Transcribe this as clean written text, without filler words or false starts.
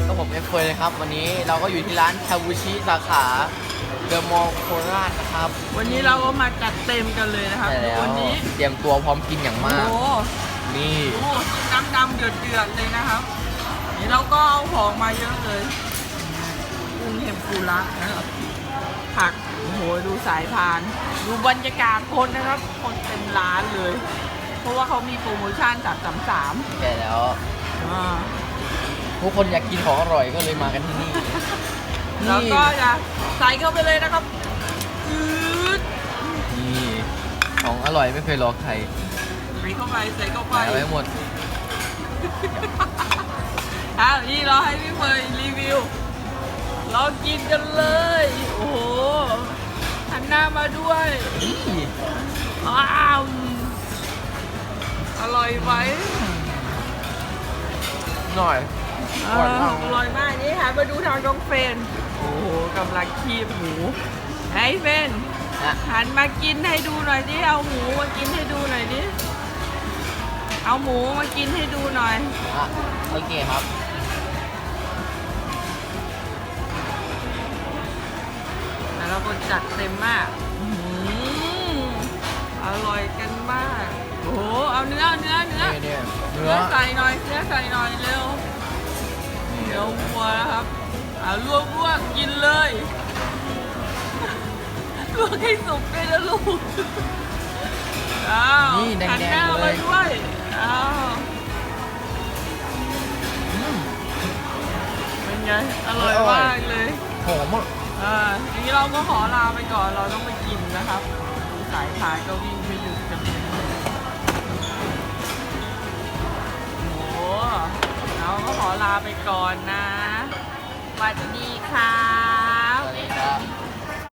ก็ผมเอฟเฟยนะครับวันนี้เราก็อยู่ที่ร้านคาบูชิสาขาเดอะมอลล์โคราชนะครับวันนี้เราก็มาจัดเต็มกันเลยนะครับใช่แล้ววันนี้เตรียมตัวพร้อมกินอย่างโอ้มากโหนี่ดูน้ำดำเดือดเลยนะครับนี่เราก็เอาของมาเยอะเลยกุ้งเทมปุระนะครับผักโอ้โหดูสายพาน ดูบรรยากาศคนนะครับ คนเต็มร้านเลย เพราะว่าเขามีโปรโมชั่น333 แก่แล้วอ่าทุกคนอยากกินของอร่อยก็เลยมากันที่นี่แล้วก็จะใส่เข้าไปเลยนะครับอืดนี่ของอร่อยไม่เคยรอใครใส่เข้าไปใส่เข้าไปใส่ไว้หมดนี่เราให้พี่เมย์รีวิว เรากินกันเลย โอ้โหหันหน้ามาด้วยนี่ว้าวอร่อยไหมหน่อยอร่อยมากนี่ค่ะมาดูทางน้องเฟนโอ้โหกำลังคีบหมูไอ้เฟนนะหันมากินให้ดูหน่อยดิเอาหมูมากินให้ดูหน่อยดิเอาหมูมากินให้ดูหน่อยอ่ะโอเคครับแล้วเราก็จัดเต็มมากอร่อยกันมาก โอ้โห เอาเนื้อนี่เนื้อเนื้อใส่หน่อยเร็วเดี๋ยววัวนะครับลวกกินเลยลวกให้สุกด้วยนะลูกอ้าวนี่แดหันหน้างๆเลมาย ด้วยอ้าวเป็นไง อร่อยมากเลยหอมอ่ะทีนี้เราก็ขอลาไปก่อน เราต้องไปกินนะครับดูสายพานก็วิ่งไม่หยุดกันเลยโอ้โหเราก็ขอลาไปก่อนนะสวัสดีค่ะ